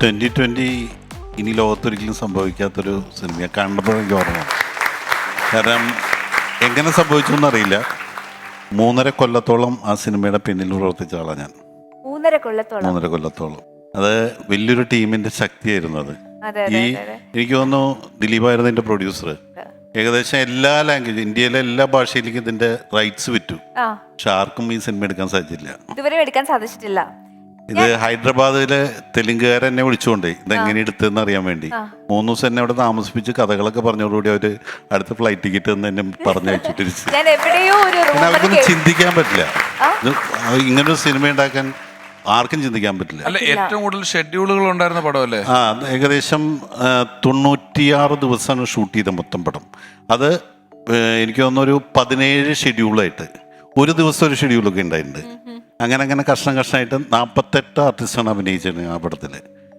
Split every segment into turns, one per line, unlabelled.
2020 ഇനി ലോകത്തൊരിക്കലും സംഭവിക്കാത്തൊരു സിനിമ കണ്ടപ്പോൾ എനിക്ക് ഓർമ്മ. കാരണം എങ്ങനെ സംഭവിച്ചു എന്നറിയില്ല. 3.5 കൊല്ലത്തോളം ആ സിനിമയുടെ പിന്നിൽ പ്രവർത്തിച്ച ആളാണ് ഞാൻ.
3.5
കൊല്ലത്തോളം. അത് വലിയൊരു ടീമിന്റെ ശക്തിയായിരുന്നു അത്. എനിക്ക് തോന്നുന്നു ദിലീപായിരുന്നു ഇതിന്റെ പ്രൊഡ്യൂസർ. ഏകദേശം എല്ലാ ലാംഗ്വേജ്, ഇന്ത്യയിലെ എല്ലാ ഭാഷയിലേക്കും ഇതിന്റെ റൈറ്റ്സ് വിറ്റു. പക്ഷെ ആർക്കും ഈ സിനിമ എടുക്കാൻ
സാധിച്ചിട്ടില്ല.
ഇത് ഹൈദരാബാദിലെ തെലുങ്കുകാരെ എന്നെ വിളിച്ചുകൊണ്ടേ ഇതെങ്ങനെ എടുത്തതെന്ന് അറിയാൻ വേണ്ടി 3 ദിവസം എന്നെ അവിടെ താമസിപ്പിച്ച് കഥകളൊക്കെ പറഞ്ഞോടുകൂടി അവര് അടുത്ത ഫ്ലൈറ്റ് ടിക്കറ്റ് എന്ന് എന്നെ പറഞ്ഞയച്ചിട്ട് അവർക്കൊന്നും ചിന്തിക്കാൻ പറ്റില്ല. ഇങ്ങനൊരു സിനിമ ഉണ്ടാക്കാൻ ആർക്കും ചിന്തിക്കാൻ പറ്റില്ല.
അല്ല, ഏറ്റവും കൂടുതൽ ഷെഡ്യൂളുകൾ ഉണ്ടായിരുന്ന പടമല്ലേ?
ഏകദേശം 96 ദിവസമാണ് ഷൂട്ട് ചെയ്ത മൊത്തം പടം. അത് എനിക്ക് തോന്നുന്നു ഒരു 17 ഷെഡ്യൂളായിട്ട്, ഒരു ദിവസം ഒരു ഷെഡ്യൂളൊക്കെ ഉണ്ടായിട്ടുണ്ട്. അങ്ങനെ കഷ്ണമായിട്ട് 48 ആർട്ടിസ്റ്റാണ് അഭിനയിച്ചത് ആ പടത്തിൽ.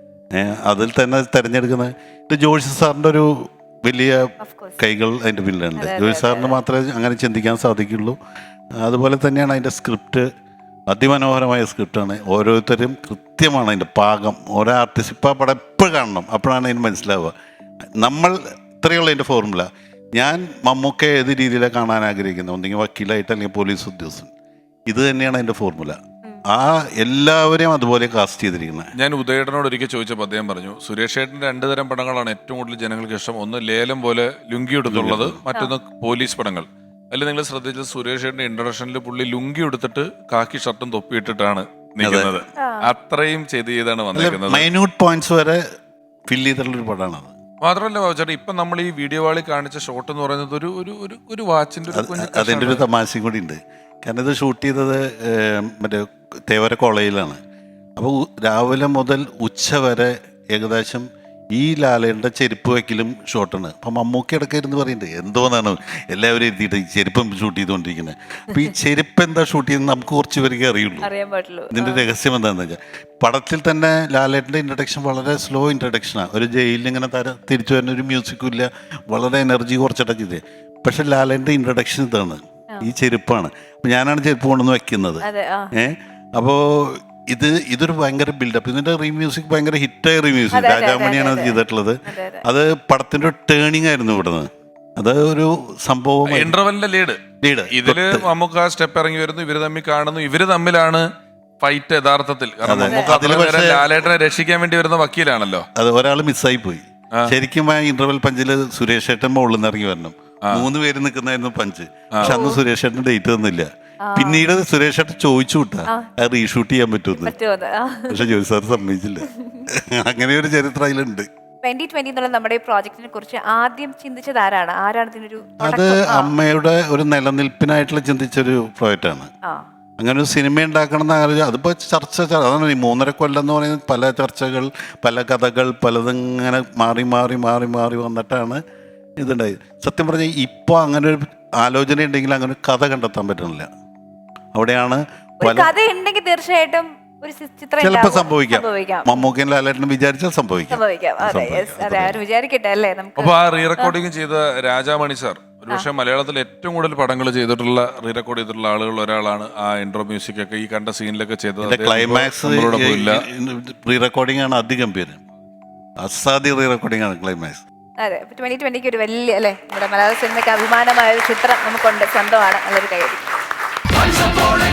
അതിൽ തന്നെ തിരഞ്ഞെടുക്കുന്നത് ഇത് ജോഷി സാറിൻ്റെ ഒരു വലിയ കൈകൾ അതിൻ്റെ പിന്നിലുണ്ട്. ജോഷി സാറിന് മാത്രമേ അങ്ങനെ ചിന്തിക്കാൻ സാധിക്കുള്ളൂ. അതുപോലെ തന്നെയാണ് അതിൻ്റെ സ്ക്രിപ്റ്റ്, അതിമനോഹരമായ സ്ക്രിപ്റ്റാണ്. ഓരോരുത്തരും കൃത്യമാണ് അതിൻ്റെ പാകം. ഓരോ ആർട്ടിസ്റ്റ് ഇപ്പോൾ പടം എപ്പോഴും കാണണം, അപ്പോഴാണ് അതിന് മനസ്സിലാവുക. നമ്മൾ ഇത്രയുള്ള അതിൻ്റെ ഫോർമുല. ഞാൻ മമ്മൂക്കെ ഏത് രീതിയിലാണ് കാണാൻ ആഗ്രഹിക്കുന്നത്, ഒന്നെങ്കിൽ വക്കീലായിട്ട് അല്ലെങ്കിൽ പോലീസ് ഉദ്യോഗസ്ഥൻ. ഇത് തന്നെയാണ് അതിൻ്റെ ഫോർമുല. ആ എല്ലാവരെയും അതുപോലെ കാസ്റ്റ് ചെയ്തിരിക്കുന്നത്.
ഞാൻ ഉദയേട്ടനോട് ഒരിക്കൽ ചോദിച്ചപ്പോൾ അദ്ദേഹം പറഞ്ഞു, സുരേഷ് ഏട്ടൻ്റെ 2 തരം പടങ്ങളാണ് ഏറ്റവും കൂടുതൽ ജനങ്ങൾക്ക് ഇഷ്ടം. ഒന്ന് ലേലം പോലെ ലുങ്കി എടുത്തുള്ളത്, മറ്റൊന്ന് പോലീസ് പടങ്ങൾ. അതിൽ നിങ്ങൾ ശ്രദ്ധിച്ചത് സുരേഷ് ഏട്ടൻ്റെ ഇൻട്രഡക്ഷനിൽ പുള്ളി ലുങ്കി എടുത്തിട്ട് കാക്കി ഷർട്ടും തൊപ്പിയിട്ടിട്ടാണ് നിൽക്കുന്നത്. അത്രയും ചെയ്താണ് വന്നിരിക്കുന്നത്.
മൈന്യൂട്ട് പോയിന്റ്സ് വരെ ഫിൽ ചെയ്തിട്ടുള്ളൊരു പടമാണ്.
മാത്രമല്ല ചേട്ടാ, ഇപ്പൊ നമ്മൾ ഈ വീഡിയോ വാളിൽ കാണിച്ച ഷോട്ട് എന്ന് പറയുന്നത് ഒരു വാച്ചിന്റെ
അതിൻ്റെ ഒരു തമാശയും കൂടി ഉണ്ട്. കാരണം ഇത് ഷൂട്ട് ചെയ്തത് മറ്റേ തേവര കോളേജിലാണ്. അപ്പോൾ രാവിലെ മുതൽ ഉച്ച വരെ ഏകദേശം ഈ ലാലയുടെ ചെരുപ്പ് വയ്ക്കലും ഷോട്ടാണ്. അപ്പം മമ്മൂക്കി ഇടയ്ക്ക് ഇരുന്ന് പറയുന്നുണ്ട് എന്തോന്നാണ് എല്ലാവരും എത്തിയിട്ട് ഈ ചെരുപ്പം ഷൂട്ട് ചെയ്തുകൊണ്ടിരിക്കുന്നത്. അപ്പം ഈ ചെരുപ്പ് എന്താ ഷൂട്ട് ചെയ്യുന്നത് നമുക്ക് കുറച്ച് പേർക്ക് അറിയുള്ളൂ. ഇതിൻ്റെ രഹസ്യം എന്താണെന്ന് വെച്ചാൽ, പടത്തിൽ തന്നെ ലാലേട്ടൻ്റെ ഇൻട്രഡക്ഷൻ വളരെ സ്ലോ ഇൻട്രഡക്ഷനാണ്. ഒരു ജയിലിൽ ഇങ്ങനെ തിരിച്ചു വരുന്ന ഒരു മ്യൂസിക്കും ഇല്ല, വളരെ എനർജി കുറച്ചിട്ടൊക്കെ ചെയ്തേ. പക്ഷെ ലാലേട്ടൻ്റെ ഇൻട്രഡക്ഷൻ ഇതാണ്, ഈ ചെരുപ്പാണ്. അപ്പം ഞാനാണ് ചെരുപ്പ് കൊണ്ടുവന്ന് വെക്കുന്നത്. അപ്പോൾ ഇതൊരു ഭയങ്കര ബിൽഡപ്പ്. ഇതിന്റെ റീമ്യൂസിക് ഭയങ്കര ഹിറ്റായ റീമ്യൂസിക്. രാജാമണിയാണ് അത് ചെയ്തിട്ടുള്ളത്. അത് പടത്തിന്റെ ഒരു ടേണിംഗ് ആയിരുന്നു ഇവിടുന്ന്. അത് ഒരു സംഭവം.
ഇന്റർവെല്ലിന്റെ ലീഡ് ഇതില് നമുക്ക് ആ സ്റ്റെപ്പ് ഇറങ്ങി വരുന്നു, ഇവര് തമ്മിൽ കാണുന്നു, ഇവര് തമ്മിലാണ് ഫൈറ്റ് യഥാർത്ഥത്തിൽ. ലാലേട്ടനെ രക്ഷിക്കാൻ വേണ്ടി വരുന്ന വക്കീലാണല്ലോ.
അത് ഒരാൾ മിസ്സായി പോയി. ശരിക്കും ആ ഇന്റർവെൽ പഞ്ചില് സുരേഷ് ഏട്ടൻ മുകളിൽ നിന്ന് ഇറങ്ങി വരണം. 3 പേര് നിൽക്കുന്നതായിരുന്നു പഞ്ച്. പക്ഷെ അന്ന് സുരേഷ് ഏട്ടൻ ഡേറ്റ് തന്നില്ല. പിന്നീട് സുരേഷ് ഏട്ടൻ ചോദിച്ചു വിട്ടാ അത് റീഷൂട്ട് ചെയ്യാൻ പറ്റുമെന്ന്. പക്ഷെ ജോലി സാർ സമ്മതിച്ചില്ല. അങ്ങനെ ഒരു ചരിത്രം അതിലുണ്ട്.
2020 എന്നുള്ള നമ്മുടെ പ്രോജക്റ്റിനെ കുറിച്ച് ആദ്യം ചിന്തിച്ചത് ആരാണ്?
അത് അമ്മയുടെ ഒരു നിലനിൽപ്പിനായിട്ടുള്ള ചിന്തിച്ചൊരു പ്രോജക്റ്റാണ്. അങ്ങനെ ഒരു സിനിമ ഉണ്ടാക്കണം എന്ന് ആലോചിച്ചു. അതിപ്പോൾ അതാണ് ഈ 3.5 കൊല്ലം എന്ന് പറയുന്നത്. പല ചർച്ചകൾ, പല കഥകൾ, പലതിങ്ങനെ മാറി വന്നിട്ടാണ് ഇതുണ്ടായി. സത്യം പറഞ്ഞാൽ ഇപ്പോൾ അങ്ങനെ ഒരു ആലോചന ഉണ്ടെങ്കിൽ അങ്ങനെ കഥ കണ്ടെത്താൻ പറ്റുന്നില്ല. അവിടെയാണ്
തീർച്ചയായിട്ടും
ചിലപ്പോൾ സംഭവിക്കാം. മമ്മൂക്കൻ ലാലേട്ടനും വിചാരിച്ചാൽ സംഭവിക്കാം.
അപ്പൊ ആ റീ റെക്കോർഡിംഗ് ചെയ്ത രാജാമണി സാർ ഒരുപക്ഷെ മലയാളത്തിൽ ഏറ്റവും കൂടുതൽ പടങ്ങൾ ചെയ്തിട്ടുള്ള റീ റെക്കോർഡ് ചെയ്തിട്ടുള്ള ആളുകളിൽ ഒരാളാണ്. ആ ഇൻട്രോ മ്യൂസിക് ഒക്കെ ഈ കണ്ട സീനിലൊക്കെ ചെയ്തത്.
ക്ലൈമാക്സ് റീ റെക്കോർഡിംഗ് ആണ് അധിഗംഭീരം. അസാധ്യ റീ റെക്കോർഡിംഗ് ആണ് ക്ലൈമാക്സ്.
അതെ, 2020 ഒരു വലിയ അല്ലേ നമ്മുടെ മലയാള സിനിമയ്ക്ക് അഭിമാനമായ ഒരു ചിത്രം നമുക്കുണ്ട്, സ്വന്തമാണ്. നല്ലൊരു കൈയടി.